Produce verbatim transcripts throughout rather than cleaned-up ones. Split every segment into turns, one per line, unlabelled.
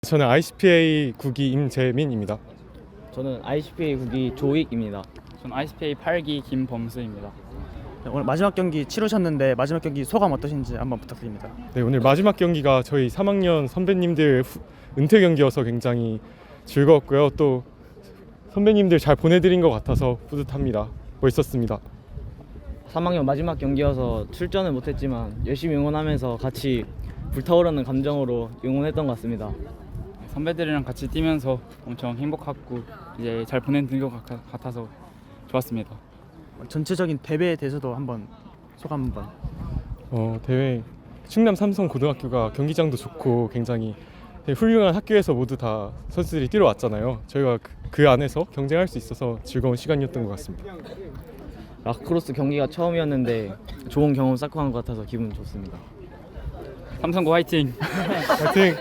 저는 아이씨피에이 국기 임재민입니다.
저는 아이씨피에이 국기 조익입니다.
전 아이씨피에이 팔 기 김범수입니다.
네, 오늘 마지막 경기 치르셨는데 마지막 경기 소감 어떠신지 한번 부탁드립니다.
네, 오늘 마지막 경기가 저희 삼 학년 선배님들 후, 은퇴 경기여서 굉장히 즐거웠고요. 또 선배님들 잘 보내드린 것 같아서 뿌듯합니다. 멋있었습니다.
삼 학년 마지막 경기여서 출전은 못했지만 열심히 응원하면서 같이 불타오르는 감정으로 응원했던 것 같습니다.
선배들이랑 같이 뛰면서 엄청 행복하고 이제 잘 보낸 것 같아서 좋았습니다.
전체적인 대회에 대해서도 한번 소감 한번.
어, 대회 충남 삼성 고등학교가 경기장도 좋고 굉장히 되게 훌륭한 학교에서 모두 다 선수들이 뛰러 왔잖아요. 저희가 그, 그 안에서 경쟁할 수 있어서 즐거운 시간이었던 것 같습니다.
라크로스 경기가 처음이었는데 좋은 경험 쌓고 간 것 같아서 기분 좋습니다.
삼성고 화이팅!
파이팅!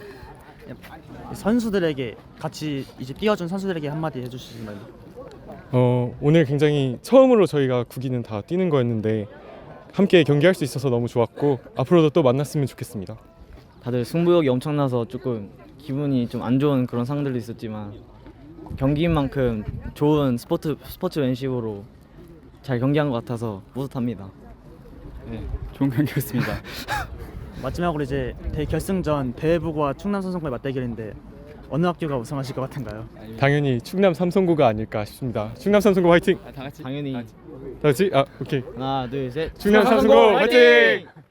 선수들에게 같이 이제 뛰어준 선수들에게 한마디 해주시면.
어, 오늘 굉장히 처음으로 저희가 국기는 다 뛰는 거였는데 함께 경기할 수 있어서 너무 좋았고 앞으로도 또 만났으면 좋겠습니다.
다들 승부욕이 엄청나서 조금 기분이 좀 안 좋은 그런 상황들도 있었지만 경기인 만큼 좋은 스포츠 스포츠맨십으로 잘 경기한 것 같아서 뿌듯합니다.
네, 좋은 경기였습니다.
마지막으로 이제 대결승전 대회부고와 충남 삼성고의 맞대결인데 어느 학교가 우승하실 것 같은가요?
당연히 충남 삼성고가 아닐까 싶습니다. 충남 삼성고 화이팅!
다 같이
당연히
다 같이.
다 같이 아 오케이
하나 둘 셋
충남 삼성고 화이팅!